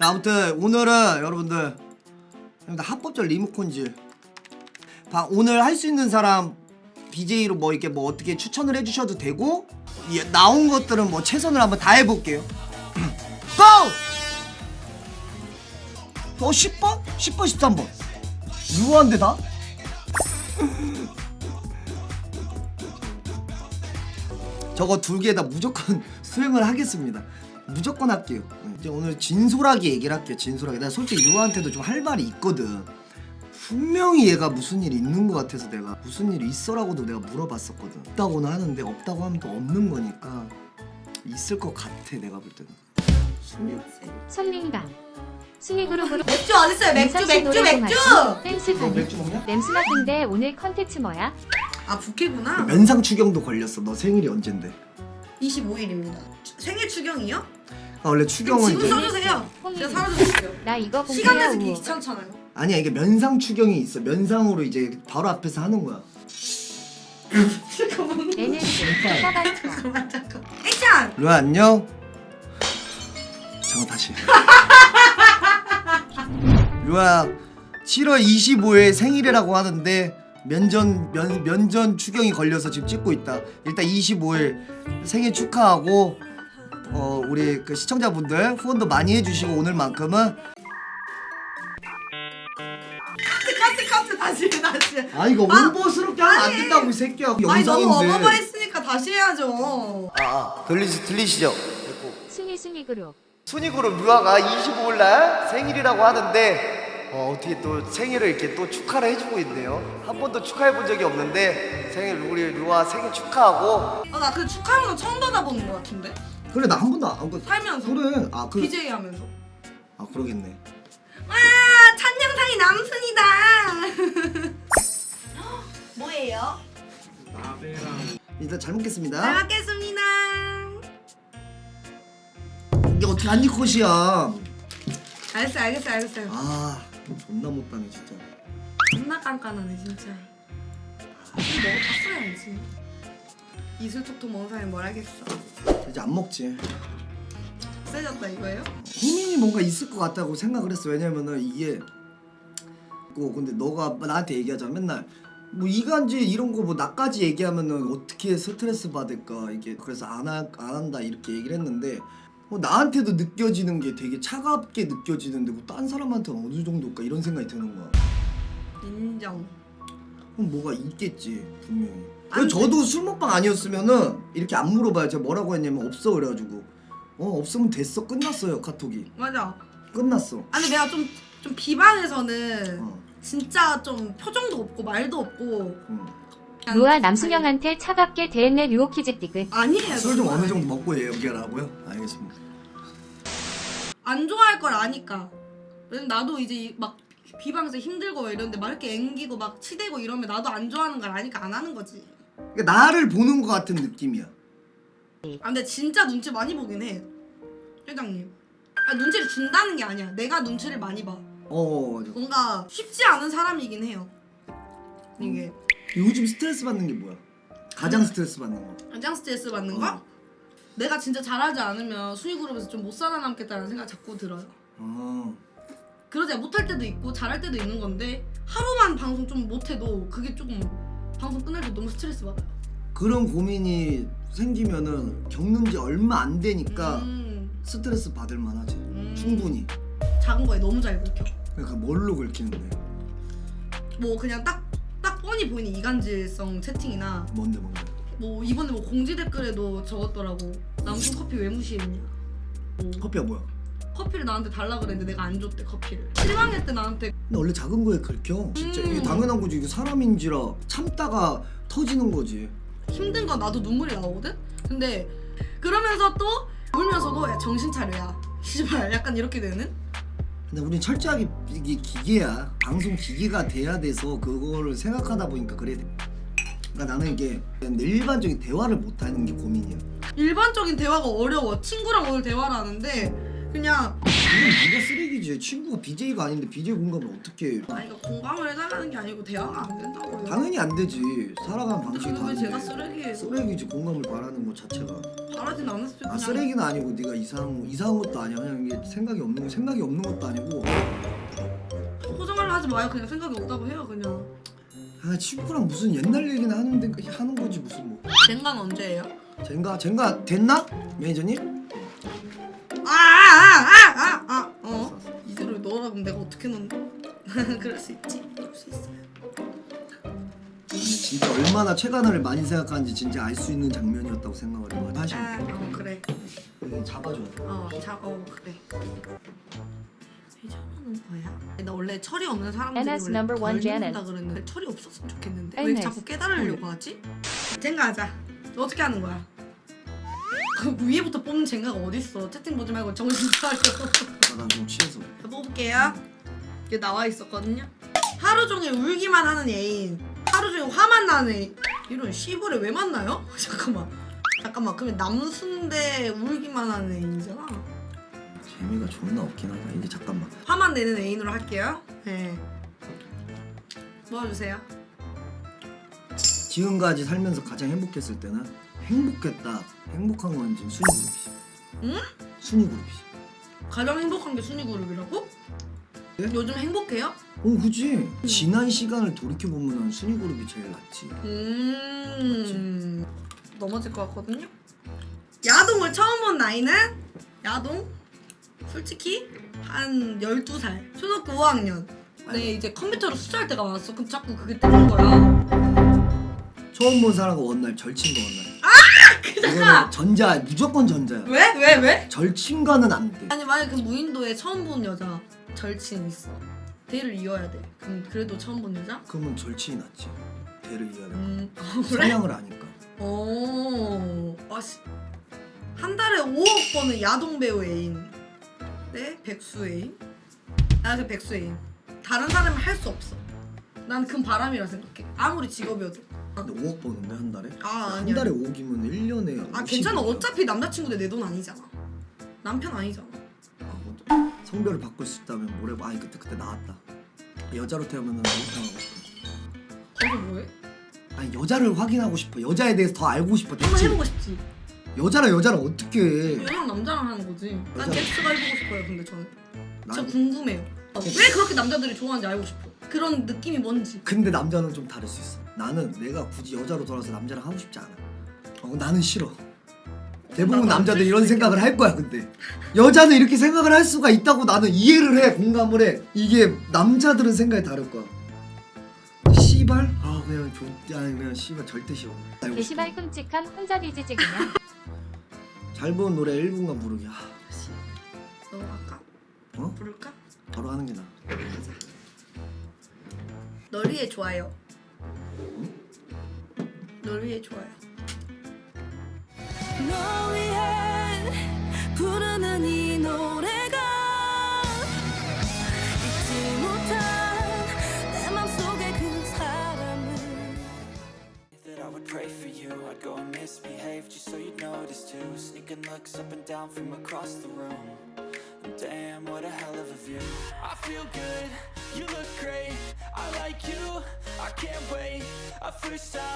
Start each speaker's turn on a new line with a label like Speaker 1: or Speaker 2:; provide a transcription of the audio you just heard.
Speaker 1: 아무튼 오늘은 여러분들 합법적 리모컨질 오늘 할 수 있는 사람 BJ로 뭐 이렇게 뭐 어떻게 추천을 해주셔도 되고 나온 것들은 뭐 최선을 한번 다 해볼게요. 고! 10번? 10번 13번 유한데 다? 저거 두 개 다 무조건 수행을 하겠습니다. 무조건 할게요. 이제 오늘 진솔하게 얘기를 할게요. 진솔하게. 나 솔직히 유아한테도 좀 할 말이 있거든. 분명히 얘가 무슨 일이 있는 것 같아서 내가 무슨 일이 있어라고도 내가 물어봤었거든. 있다고는 하는데 없다고 하면 또 없는 거니까 있을 것 같아 내가 볼 때는.
Speaker 2: 손님방 순위그룹으로
Speaker 3: 맥주 어딨어요? 맥주!
Speaker 2: 댄스
Speaker 1: 너
Speaker 2: 가능.
Speaker 1: 맥주 먹냐?
Speaker 2: 램스나 근데 오늘 컨텐츠 뭐야?
Speaker 3: 아 부캐구나.
Speaker 1: 면상 추경도 걸렸어. 너 생일이 언젠데?
Speaker 3: 25일입니다. 생일 추경이요?
Speaker 1: 아 원래 추경은
Speaker 3: 지금
Speaker 1: 이제
Speaker 3: 써주세요.
Speaker 2: 홍이.
Speaker 3: 제가 사라져줄게요.
Speaker 2: 나 이거
Speaker 3: 시간
Speaker 2: 공부야
Speaker 3: 내서
Speaker 2: 우호.
Speaker 3: 귀찮잖아요.
Speaker 1: 아니야 이게 면상 추경이 있어. 면상으로 이제 바로 앞에서 하는 거야.
Speaker 3: 잠깐만.
Speaker 2: 얘는 사가있어.
Speaker 3: 잠깐만. 액션!
Speaker 1: 루아 안녕. 잠깐 다시. 루아 7월 25일 생일이라고 하는데 면전 추경이 걸려서 지금 찍고 있다. 일단 25일 생일 축하하고 우리 그 시청자분들 후원도 많이 해주시고 오늘만큼은
Speaker 3: 카트 다시.
Speaker 1: 아 이거 울보스럽게 하면 안 된다고 이 새끼야.
Speaker 3: 아니 너무
Speaker 1: 영상인데.
Speaker 3: 어마어마했으니까 다시 해야죠.
Speaker 1: 들리시죠?
Speaker 2: 순위 그룹.
Speaker 1: 순위그룹 류아가 25일날 생일이라고 하는데 어떻게 또 생일을 이렇게 또 축하를 해주고 있네요. 한 번도 축하해본 적이 없는데 생일 우리 류아 생일 축하하고.
Speaker 3: 나 그 축하하는 거 처음 받아보는 거 같은데?
Speaker 1: 그래 나 한 번도 안
Speaker 3: 살면서.
Speaker 1: 그래
Speaker 3: BJ 하면서.
Speaker 1: 그러겠네.
Speaker 3: 와! 첫 영상이 남순이다. 뭐예요?
Speaker 1: 일단 잘 먹겠습니다.
Speaker 3: 잘 먹겠습니다.
Speaker 1: 이게 어떻게 한입 컷이야.
Speaker 3: 알겠어요.
Speaker 1: 아 존나 못하네 진짜.
Speaker 3: 존나 깐깐하네 진짜. 이거 먹어봤어야지. 이슬 톡톡 먹은 사람이 뭘 하겠어.
Speaker 1: 이제 안 먹지.
Speaker 3: 세졌다 이거예요?
Speaker 1: 고민이 뭔가 있을 것 같다고 생각을 했어. 왜냐면은 이게 근데 너가 나한테 얘기하자 맨날 뭐 이간질 이런 거 뭐 나까지 얘기하면은 어떻게 스트레스 받을까 이게 그래서 안 한다 이렇게 얘기를 했는데 나한테도 느껴지는 게 되게 차갑게 느껴지는데 딴 사람한테는 어느 정도일까 이런 생각이 드는 거야.
Speaker 3: 인정.
Speaker 1: 그럼 뭐가 있겠지 분명히.
Speaker 3: 안
Speaker 1: 그래서 저도 술 먹방 아니었으면은 이렇게 안 물어봐요. 제가 뭐라고 했냐면 없어 그래가지고 없으면 됐어 끝났어요 카톡이.
Speaker 3: 맞아.
Speaker 1: 끝났어.
Speaker 3: 아니 내가 좀 비방에서는
Speaker 1: 어.
Speaker 3: 진짜 좀 표정도 없고 말도 없고
Speaker 2: 루아 남순영한테 차갑게 대했네 류오키즈 띠글.
Speaker 3: 아니에요.
Speaker 1: 술 좀 어느 정도 먹고 얘기하라고요? 알겠습니다.
Speaker 3: 안 좋아할 걸 아니까. 왜냐면 나도 이제 막 비방에서 힘들고 이런데 막 이렇게 앵기고 막 치대고 이러면 나도 안 좋아하는 걸 아니까 안 하는 거지.
Speaker 1: 그러니까 나를 보는 것 같은 느낌이야.
Speaker 3: 근데 진짜 눈치 많이 보긴 해 회장님. 눈치를 준다는 게 아니야. 내가 눈치를 많이 봐.
Speaker 1: 맞아.
Speaker 3: 뭔가 쉽지 않은 사람이긴 해요 이게.
Speaker 1: 요즘 스트레스 받는 게 뭐야? 가장 스트레스 받는 거.
Speaker 3: 가장 스트레스 받는 거? 내가 진짜 잘하지 않으면 순위그룹에서 좀 못 살아남겠다는 생각 자꾸 들어요. 그러지 못할 때도 있고 잘할 때도 있는 건데 하루만 방송 좀 못해도 그게 조금 방송 끝날 때 너무 스트레스 받아요.
Speaker 1: 그런 고민이 생기면은 겪는 지 얼마 안 되니까 스트레스 받을 만하지. 충분히.
Speaker 3: 작은 거에 너무 잘 긁혀.
Speaker 1: 그러니까 뭘로 긁히는데?
Speaker 3: 뭐 그냥 딱 뻔히 보이는 이간질성 채팅이나
Speaker 1: 뭔데?
Speaker 3: 뭐 이번에 뭐 공지 댓글에도 적었더라고. 남순 커피 왜 무시했냐. 뭐
Speaker 1: 커피가 뭐야?
Speaker 3: 커피를 나한테 달라 그랬는데 내가 안 줬대 커피를. 실망했대 나한테.
Speaker 1: 근데 원래 작은 거에 긁혀. 진짜 이게 당연한 거지. 이게 사람인지라 참다가 터지는 거지.
Speaker 3: 힘든 건 나도 눈물이 나오거든? 근데 그러면서 또 울면서도 야 정신 차려야 씨발 약간 이렇게 되는?
Speaker 1: 근데 우린 철저하게 이게 기계야. 방송 기계가 돼야 돼서 그거를 생각하다 보니까 그래. 그러니까 나는 이게 일반적인 대화를 못하는 게 고민이야.
Speaker 3: 일반적인 대화가 어려워. 친구랑 오늘 대화를 하는데 그냥
Speaker 1: 네가 쓰레기지. 친구가 BJ가 아닌데 BJ 공감을 어떻게 해?
Speaker 3: 아니 그러니까 공감을 해달라는 게 아니고 대화가 안 된다고요.
Speaker 1: 당연히 안 되지. 살아가는 방식이
Speaker 3: 근데 왜
Speaker 1: 다른데.
Speaker 3: 제가 쓰레기예요?
Speaker 1: 쓰레기지. 공감을 바라는 것 자체가.
Speaker 3: 바라진 않았어요. 그냥
Speaker 1: 쓰레기는 아니고 네가 이상한 것도 아니야. 그냥 이게 생각이 없는 것도 아니고.
Speaker 3: 포장을 하지 마요. 그냥 생각이 없다고 해요. 그냥.
Speaker 1: 아 친구랑 무슨 옛날 얘기나 하는 거지 무슨 뭐.
Speaker 3: 젠가는 언제예요?
Speaker 1: 젠가 됐나? 매니저님?
Speaker 3: 이대로 넣으라 그럼 내가 어떻게 넣는데? 그럴 수 있지. 그럴 수 있어요.
Speaker 1: 진짜 얼마나 최간호를 많이 생각하는지 진짜 알 수 있는 장면이었다고 생각을 해요. 사실
Speaker 3: 그래.
Speaker 1: 잡아줘야 돼.
Speaker 3: 그래. 회전하는 거야? 나 원래 철이 없는 사람들이
Speaker 2: NS
Speaker 3: 원래
Speaker 2: number one
Speaker 3: 덜는다
Speaker 2: Janet.
Speaker 3: 그랬는데 철이 없었으면 좋겠는데 왜
Speaker 2: NS.
Speaker 3: 자꾸 깨달으려고 하지? 젠가 하자. 어떻게 하는 거야? 그 위에부터 뽑는 젠가가 어딨어? 채팅 보지 말고 정신 차려.
Speaker 1: 난 좀 취해서.
Speaker 3: 자, 뽑을게요. 이게 나와 있었거든요. 하루 종일 울기만 하는 애인, 하루 종일 화만 나는 애인. 이런 씨부를 왜 만나요? 잠깐만. 그러면 남순대 울기만 하는 애인이잖아.
Speaker 1: 재미가 존나 없긴 하다. 이게 잠깐만.
Speaker 3: 화만 내는 애인으로 할게요. 네. 모아주세요.
Speaker 1: 지금까지 살면서 가장 행복했을 때는 행복했다. 행복한 건 지금 순위 그룹이지.
Speaker 3: 응?
Speaker 1: 순위 그룹이지.
Speaker 3: 가장 행복한 게 순위 그룹이라고?
Speaker 1: 네?
Speaker 3: 요즘 행복해요?
Speaker 1: 그지. 지난 시간을 돌이켜 보면 순위 그룹이 제일 낫지.
Speaker 3: 넘어질 것 같거든요. 야동을 처음 본 나이는 야동? 솔직히 한 12살. 초등학교 5학년. 네, 이제 컴퓨터로 수사할 때가 왔어. 그럼 자꾸 그게 뜨는 거야.
Speaker 1: 처음 본 사람과 원날 절친과 원날.
Speaker 3: 그잖아.
Speaker 1: 전자 무조건 전자야.
Speaker 3: 왜?
Speaker 1: 절친과는 안 돼.
Speaker 3: 아니 만약 그 무인도에 처음 본 여자 절친 있어. 대를 이어야 돼. 그럼 그래도 처음 본 여자?
Speaker 1: 그러면 절친이 낫지. 대를 이어야 돼.
Speaker 3: 그래?
Speaker 1: 성향을 아니까.
Speaker 3: 아씨. 한 달에 5억 버는 야동 배우 애인. 네? 백수 애인? 나그 백수 애인. 다른 사람은 할 수 없어. 난 그건 바람이라 생각해. 아무리 직업이어도.
Speaker 1: 근데 5억 버는데 한 달에?
Speaker 3: 아니야.
Speaker 1: 한 달에 5억이면 1년에
Speaker 3: 괜찮아. 어차피 남자친구들 내 돈 아니잖아. 남편 아니잖아.
Speaker 1: 성별을 바꿀 수 있다면 뭐래? 아니 그때 나왔다. 여자로 태어나면 목욕탕하고 싶어.
Speaker 3: 거기서 뭐해?
Speaker 1: 아니 여자를 확인하고 싶어. 여자에 대해서 더 알고 싶어.
Speaker 3: 한번 해보고 싶지.
Speaker 1: 여자랑 어떻게 해?
Speaker 3: 여자랑 남자랑 하는 거지. 난 섹스가 해보고 싶어요. 근데 저는 진짜
Speaker 1: 난-
Speaker 3: 궁금해요. 왜 그렇게 남자들이 좋아하는지 알고 싶어. 그런 느낌이 뭔지.
Speaker 1: 근데 남자는 좀 다를 수 있어. 나는 내가 굳이 여자로 돌아서 남자랑 하고 싶지 않아. 나는 싫어. 대부분
Speaker 3: 나도 안
Speaker 1: 남자들
Speaker 3: 될
Speaker 1: 이런
Speaker 3: 수도
Speaker 1: 생각을 할 거야. 근데 여자는 이렇게 생각을 할 수가 있다고 나는 이해를 해. 공감을 해. 이게 남자들은 생각이 다를 거야. 씨발? 그냥 씨발 절대 싫어.
Speaker 2: 게시발 끔찍한 혼자 리즈지 그냥.
Speaker 1: 잘 부른 노래 1분간 부르기.
Speaker 3: 씨. 넘어갈까?
Speaker 1: 어?
Speaker 3: 부를까?
Speaker 1: 바로 하는 게 나아.
Speaker 3: 가자. 널 위해 좋아요. 널 위해 좋아요.
Speaker 4: 널 위해 부르는 이 노래가 잊지 못한 내 맘속의 그 사람을
Speaker 5: That I would pray for you, I'd go and misbehave just so you'd notice too. Sneaking looks up and down from across the room. And damn, what a hell of a view. I feel good, you look great, I like you, I can't wait. A first time